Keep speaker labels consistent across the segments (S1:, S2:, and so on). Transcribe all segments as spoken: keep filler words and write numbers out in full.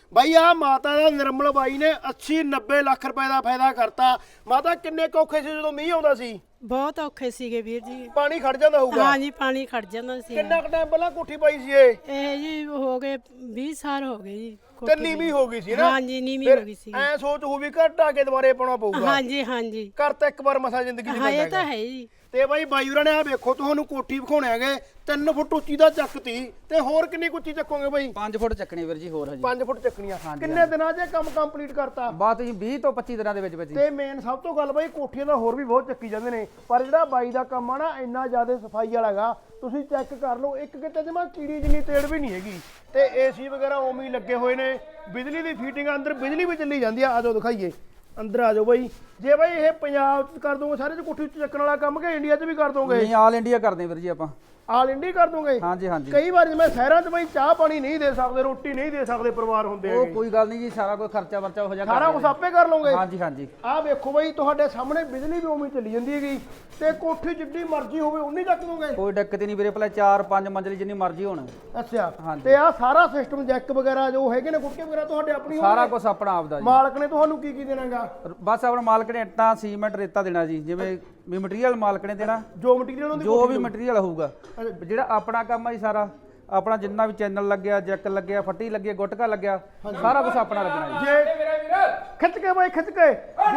S1: ਬਾਈ ਆ ਮਾਤਾ ਦਾ ਨਿਰਮਲ ਬਾਈ ਨੇ अस्सी नब्बे ਲੱਖ ਰੁਪਏ ਦਾ ਫਾਇਦਾ ਕਰਤਾ। ਮਾਤਾ ਕਿੰਨੇ ਔਖੇ ਸੀ ਜਦੋਂ ਮੀਂਹ ਆਉਂਦਾ ਸੀ?
S2: ਬਹੁਤ ਔਖੇ ਸੀਗੇ ਵੀਰ ਜੀ।
S1: ਪਾਣੀ ਖੜ ਜਾਂਦਾ ਹੋਊਗਾ?
S2: ਹਾਂ ਜੀ ਪਾਣੀ ਖੜ ਜਾਂਦਾ ਸੀ।
S1: ਕਿੰਨਾ ਕੁ ਟਾਈਮ ਪਹਿਲਾਂ ਕੋਠੀ ਪਾਈ ਸੀ ਇਹ?
S2: ਇਹ ਜੀ ਹੋ ਗਏ ਵੀਹ ਸਾਲ ਹੋ ਗਏ ਜੀ।
S1: ਤੇ ਨੀਵੀਂ ਹੋ ਗਈ ਸੀ ਨਾ?
S2: ਹਾਂ ਜੀ ਨੀਵੀਂ ਹੋ ਗਈ ਸੀ।
S1: ਐ ਸੋਚ ਹੋ ਵੀ ਘਰ ਢਾ ਕੇ ਦੁਬਾਰੇ ਪਾਉਣਾ ਪਊਗਾ।
S2: ਹਾਂ ਜੀ ਹਾਂ ਜੀ
S1: ਘਰ ਤਾਂ ਇੱਕ ਵਾਰ ਮਸਾ ਜ਼ਿੰਦਗੀ 'ਚ
S2: ਹਾਂ
S1: ਪੈਂਦਾ
S2: ਇਹ ਤਾਂ ਹੈ ਜੀ।
S1: ਤੇ ਬਾਈ ਬਾਈ ਹੋਰਾਂ ਨੇ ਆ ਵੇਖੋ ਤੁਹਾਨੂੰ ਕੋਠੀ ਵਿਖਾਉਣੇ ਹੈਗੇ तीन फुट ਉੱਚੀ ਦਾ ਚੱਕਤੀ ਤੇ ਹੋਰ ਕਿੰਨੀ ਉੱਚੀ ਚੱਕੋਗੇ ਬਾਈ?
S3: पाँच फुट ਚੱਕਣੀ ਵੀਰ ਜੀ ਹੋਰ ਹਜੀ
S1: पाँच ਫੁੱਟ ਚੱਕਣੀਆਂ। ਕਿੰਨੇ ਦਿਨਾਂ 'ਚ ਇਹ ਕੰਮ ਕੰਪਲੀਟ ਕਰਤਾ?
S3: ਬਾਤ ਜੀ बीस ਤੋਂ पच्चीस ਦਿਨਾਂ ਦੇ ਵਿੱਚ ਵਿੱਚ
S1: ਤੇ ਮੇਨ ਸਭ ਤੋਂ ਗੱਲ ਬਾਈ ਕੋਠੀਆਂ ਦਾ ਹੋਰ ਵੀ ਬਹੁਤ ਚੱਕੀ ਜਾਂਦੇ ਨੇ ਪਰ ਜਿਹੜਾ ਬਾਈ ਦਾ ਕੰਮ ਆ ਨਾ ਇੰਨਾ ਜ਼ਿਆਦਾ ਸਫਾਈ ਵਾਲਾ ਹੈਗਾ। ਤੁਸੀਂ ਚੈੱਕ ਕਰ ਲਓ ਇੱਕ ਕਿਤੇ ਜਮਾ ਕੀੜੀ ਜਿੰਨੀ ਤੇੜ ਵੀ ਨਹੀਂ ਹੈਗੀ ਤੇ ਏਸੀ ਵਗੈਰਾ ਉਵੇਂ ਹੀ ਲੱਗੇ ਹੋਏ ਨੇ। ਬਿਜਲੀ ਦੀ ਫੀਟਿੰਗ ਅੰਦਰ ਬਿਜਲੀ ਵੀ ਚੱਲੀ ਜਾਂਦੀ ਆ। ਆਜੋ ਦਿਖਾਈਏ ਅੰਦਰ ਆ ਜਾਓ ਬਾਈ। ਜੇ ਬਾਈ ਇਹ ਪੰਜਾਬ 'ਚ ਕਰ ਦੋਗੇ ਸਾਰੇ 'ਚ ਕੋਠੀ ਉੱਤੇ ਚੱਕਣ ਵਾਲਾ ਕੰਮ ਕਿ ਇੰਡੀਆ 'ਚ ਵੀ ਕਰ ਦੋਗੇ?
S3: ਨਹੀਂ ਆਲ ਇੰਡੀਆ ਕਰਦੇ ਵੀਰ ਜੀ ਆਪਾਂ।
S1: ਆਲ ਇੰਡੀਆ ਕਰ ਦੋਗੇ?
S3: ਹਾਂਜੀ ਹਾਂਜੀ।
S1: ਕਈ ਵਾਰ ਜਿਵੇਂ ਸ਼ਹਿਰਾਂ 'ਚ ਬਾਈ ਚਾਹ ਪਾਣੀ ਨਹੀਂ ਦੇ ਸਕਦੇ ਰੋਟੀ ਨਹੀਂ ਦੇ ਸਕਦੇ ਪਰਿਵਾਰ ਹੁੰਦੇ
S3: ਉਹ
S1: ਹੈਗੇ
S3: ਕੋਈ ਗੱਲ ਨਹੀਂ ਜੀ ਸਾਰਾ ਕੋਈ ਖਰਚਾ ਵਰਚਾ ਹੋ ਜਾ
S1: ਸਾਰਾ ਕੁਝ ਆਪੇ ਕਰ ਲਓਗੇ?
S3: ਹਾਂਜੀ ਹਾਂਜੀ।
S1: ਆਹ ਵੇਖੋ ਬਾਈ ਤੁਹਾਡੇ ਸਾਹਮਣੇ ਬਿਜਲੀ ਵੀ ਉਵੇਂ ਚੱਲੀ ਜਾਂਦੀ ਹੈਗੀ ਤੇ ਕੋਠੀ ਜਿੱਡੀ ਮਰਜ਼ੀ ਹੋਵੇ ਉਨੀ ਚੱਕ ਦੋਗੇ?
S3: ਕੋਈ ਦਿੱਕਤ ਨਹੀਂ ਵੀਰੇ, ਪਹਿਲਾਂ ਚਾਰ ਪੰਜ ਮੰਜ਼ਲੀ ਜਿੰਨੀ ਮਰਜ਼ੀ ਹੋਣ।
S1: ਅੱਛਾ
S3: ਹਾਂਜੀ।
S1: ਤੇ ਆਹ ਸਾਰਾ ਸਿਸਟਮ ਜੈਕ ਵਗੈਰਾ ਜੋ ਹੈਗੇ ਨੇ ਗੁੱਟਕੇ ਵਗੈਰਾ ਤੁਹਾਡੇ ਆਪਣੀ
S3: ਸਾਰਾ ਕੁਝ ਆਪਣਾ ਆਪਦਾ ਜੀ।
S1: ਮਾਲਕ ਨੇ ਤੁਹਾਨੂੰ ਕੀ ਕੀ ਦੇਣਾਗਾ?
S3: ਬਸ ਆਪਣਾ ਮਾਲਕ ਨੇ ਇੱਟਾਂ ਸੀਮੈਂਟ ਰੇਤਾ ਦੇਣਾ ਜੀ। ਜਿਵੇਂ ਵੀ ਮਟੀਰੀਅਲ ਮਾਲਕ ਨੇ ਦੇਣਾ
S1: ਜੋ ਮਟੀਰੀਅਲ ਉਹਦੀ
S3: ਜੋ ਵੀ ਮਟੀਰੀਅਲ ਹੋਊਗਾ। ਜਿਹੜਾ ਆਪਣਾ ਕੰਮ ਆ ਜੀ ਸਾਰਾ ਆਪਣਾ ਜਿੰਨਾ ਵੀ ਚੈਨਲ ਲੱਗਿਆ ਜੈਕ ਲੱਗਿਆ ਫੱਟੀ ਲੱਗੀ ਗੁਟਕਾ ਲੱਗਿਆ ਸਾਰਾ ਕੁਝ ਆਪਣਾ ਲੱਗਣਾ ਜੀ।
S1: ਜੇ ਖਿੱਚ ਕੇ ਬਾਈ ਖਿੱਚ ਕੇ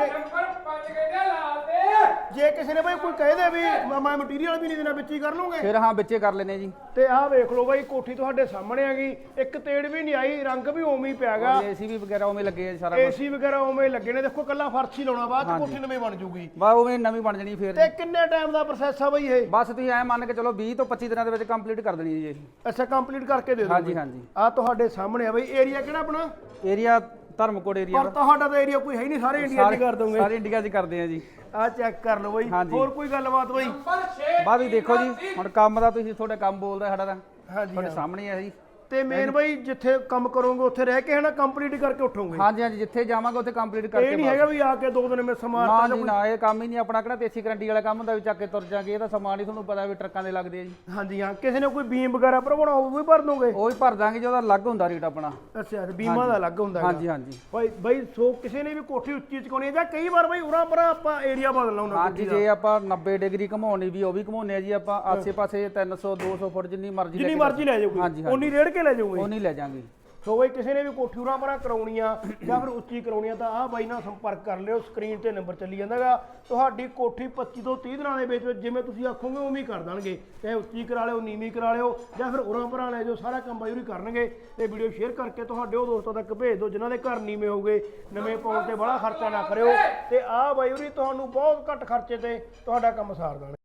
S1: ਜੇ ਕਿਸੇ ਨੇ ਬਾਈ ਕੋਈ ਕਹਿ ਦੇ ਵੀ ਮੈਂ ਮਟੀਰੀਅਲ ਵੀ ਨਹੀਂ ਦੇਣਾ ਵਿੱਚ ਹੀ ਕਰ ਲਓਗੇ?
S3: ਫਿਰ ਹਾਂ ਵਿੱਚੇ ਕਰ ਲੈਨੇ ਜੀ।
S1: ਤੇ ਆਹ ਵੇਖ ਲਓ ਬਾਈ ਕੋਠੀ ਤੁਹਾਡੇ ਸਾਹਮਣੇ ਹੈਗੀ ਇੱਕ ਤੇੜ ਵੀ ਨਹੀਂ ਆਈ ਰੰਗ ਵੀ ਉਵੇਂ ਹੀ ਪਿਆਗਾ।
S3: ਏਸੀ ਵੀ ਵਗੈਰਾ ਉਵੇਂ ਲੱਗੇ ਆ ਸਾਰਾ ਕੁਝ।
S1: ਏਸੀ ਵਗੈਰਾ ਉਵੇਂ ਲੱਗੇ ਨੇ ਦੇਖੋ ਕੱਲਾ ਫਰਸ਼ ਹੀ ਲਾਉਣਾ ਬਾਅਦ ਚ ਕੋਠੀ ਨਵੀਂ ਬਣ ਜੂਗੀ।
S3: ਬਸ ਉਵੇਂ ਨਵੀਂ ਬਣ ਜਣੀ ਫਿਰ।
S1: ਤੇ ਕਿੰਨੇ ਟਾਈਮ ਦਾ ਪ੍ਰੋਸੈਸ ਆ ਬਾਈ ਇਹ?
S3: ਬਸ ਤੁਸੀਂ ਐ ਮੰਨ ਕੇ ਚਲੋ बीस ਤੋਂ पच्चीस ਦਿਨਾਂ ਦੇ ਵਿੱਚ ਕੰਪਲੀਟ ਕਰ ਦੇਣੀ ਜੀ ਇਹ।
S1: ਅੱਛਾ ਕੰਪਲੀਟ ਕਰਕੇ ਦੇ ਦਿਓ?
S3: ਹਾਂਜੀ ਹਾਂਜੀ।
S1: ਆ ਤੁਹਾਡੇ ਸਾਹਮਣੇ ਆ ਬਾਈ ਏਰੀਆ ਕਿਹੜਾ ਆਪਣਾ?
S3: ਏਰੀਆ ਧਰਮਕੋਟ ਏਰੀਆ
S1: ਪਰ ਤੁਹਾਡਾ ਤਾਂ ਏਰੀਆ ਕੋਈ ਹੈ ਹੀ ਨਹੀਂ ਸਾਰੇ ਇੰਡੀਆ 'ਚ ਕਰ ਦੋਗੇ?
S3: ਸਾਰੇ ਇੰਡੀਆ 'ਚ ਕਰਦੇ ਆ ਜੀ।
S1: ਆ ਚੈੱਕ ਕਰ ਲਓ ਬਾਈ। ਹੋਰ ਕੋਈ ਗੱਲਬਾਤ ਬਾਈ?
S3: ਬਾਅਦ ਵੀ ਦੇਖੋ ਜੀ ਹੁਣ ਕੰਮ ਦਾ ਤੁਸੀਂ ਤੁਹਾਡੇ ਕੰਮ ਬੋਲਦਾ ਸਾਡਾ ਤਾਂ
S1: ਹਾਂਜੀ
S3: ਤੁਹਾਡੇ ਸਾਹਮਣੇ ਆ ਜੀ।
S1: ਤੇ ਮੇਨ ਬਾਈ ਜਿੱਥੇ ਕੰਮ ਕਰੋਗੇ ਉੱਥੇ ਰਹਿ ਕੇ ਹਨਾ ਕੰਪਲੀਟ ਕਰਕੇ ਉੱਠੋਗੇ?
S3: ਹਾਂਜੀ ਹਾਂਜੀ ਜਿੱਥੇ ਜਾਵਾਂਗੇ ਉੱਥੇ ਕੰਪਲੀਟ ਕਰਕੇ।
S1: ਇਹ ਨਹੀਂ ਹੈਗਾ ਵੀ ਆ ਕੇ ਦੋ ਦਿਨ ਮੈਂ ਸਮਾਨ
S3: ਨਾ ਜੀ ਨਾ ਇਹ ਕੰਮ ਹੀ ਨਹੀਂ ਆਪਣਾ ਕਿਹੜਾ ਦੇਸੀ ਗਰੰਟੀ ਵਾਲਾ ਕੰਮ ਹੁੰਦਾ ਵੀ ਚੱਕ ਕੇ ਤੁਰ ਜਾਗੇ। ਇਹ ਤਾਂ ਸਮਾਨ ਹੀ ਤੁਹਾਨੂੰ ਪਤਾ ਵੀ ਟਰੱਕਾਂ ਦੇ ਲੱਗਦੇ ਆ ਜੀ।
S1: ਹਾਂਜੀ ਹਾਂ ਕਿਸੇ ਨੇ ਕੋਈ ਬੀਮ ਵਗੈਰਾ ਭਰਵਾਉਣਾ ਉਹ ਵੀ ਭਰ ਦੋਗੇ?
S3: ਉਹ ਵੀ ਭਰ ਦਾਂਗੇ ਜੀ ਉਹਦਾ ਅਲੱਗ ਹੁੰਦਾ ਰੇਟ ਆਪਣਾ।
S1: ਅੱਛਾ ਬੀਮਾ ਦਾ ਅਲੱਗ ਹੁੰਦਾ?
S3: ਹਾਂਜੀ ਹਾਂਜੀ।
S1: ਬਾਈ ਬਾਈ ਸੋ ਕਿਸੇ ਨੇ ਵੀ ਕੋਠੀ ਉੱਚੀ ਚਕਾਉਣੀ ਹੈ ਜਾਂ ਕਈ ਵਾਰ ਬਾਈ ਉਰਾਂ ਪਰਾਂ ਆਪਾਂ ਏਰੀਆ ਬਦਲਣਾ ਹੁੰਦਾ?
S3: ਹਾਂਜੀ ਜੇ ਆਪਾਂ ਨੱਬੇ ਡਿਗਰੀ ਘਮਾਉਣੀ ਵੀ ਉਹ ਵੀ ਘਮਾਉਨੇ ਆ ਜੀ ਆਪਾਂ। ਆਸੇ ਪਾਸੇ ਤਿੰਨ ਸੌ ਦੋ ਸੌ ਫੁੱਟ ਜਿੰਨੀ ਮਰਜ਼ੀ
S1: ਜਿੰਨੀ ਮਰਜ਼ੀ ਲੈ ਜਾਓਗੇ ਉਨੀ ਰੇੜ ਕੇ ਲੈ ਜਾਓਗੇ?
S3: ਉਹ ਨਹੀਂ ਲੈ ਜਾਾਂਗੇ।
S1: ਸੋ ਬਾਈ ਕਿਸੇ ਨੇ ਵੀ ਕੋਠੀ ਉਰਾਂ ਪਰਾਂ ਕਰਾਉਣੀ ਆ ਜਾਂ ਫਿਰ ਉੱਚੀ ਕਰਾਉਣੀ ਆ ਤਾਂ ਆਹ ਬਾਈ ਨਾਲ ਸੰਪਰਕ ਕਰ ਲਿਓ। ਸਕਰੀਨ ਤੇ ਨੰਬਰ ਚੱਲੀ ਜਾਂਦਾਗਾ। ਤੁਹਾਡੀ ਕੋਠੀ ਪੱਚੀ ਤੋਂ ਤੀਹ ਦਿਨਾਂ ਦੇ ਵਿੱਚ ਜਿਵੇਂ ਤੁਸੀਂ ਆਖੋਗੇ ਉਵੇਂ ਹੀ ਕਰ ਦੇਣਗੇ। ਚਾਹੇ ਉੱਚੀ ਕਰਾ ਲਿਓ ਨੀਵੀਂ ਕਰਾ ਲਿਓ ਜਾਂ ਫਿਰ ਉਰਾਂ ਪਰਾਂ ਲੈ ਜਾਓ ਸਾਰਾ ਕੰਮ ਬਾਈ ਉਰੀ ਕਰਨਗੇ। ਤੇ ਵੀਡੀਓ ਸ਼ੇਅਰ ਕਰਕੇ ਤੁਹਾਡੇ ਉਹ ਦੋਸਤਾਂ ਤੱਕ ਭੇਜ ਦਿਓ ਜਿਨ੍ਹਾਂ ਦੇ ਘਰ ਨੀਵੇਂ ਹੋਗੇ। ਨਵੇਂ ਪਾਉਣ ਤੇ ਬੜਾ ਖਰਚਾ ਨਾ ਕਰਿਓ ਤੇ ਆਹ ਬਾਈ ਉਰੀ ਤੁਹਾਨੂੰ ਬਹੁਤ ਘੱਟ ਖਰਚੇ ਤੇ ਤੁਹਾਡਾ ਕੰਮ ਸਾਰ ਦੇਣਗੇ।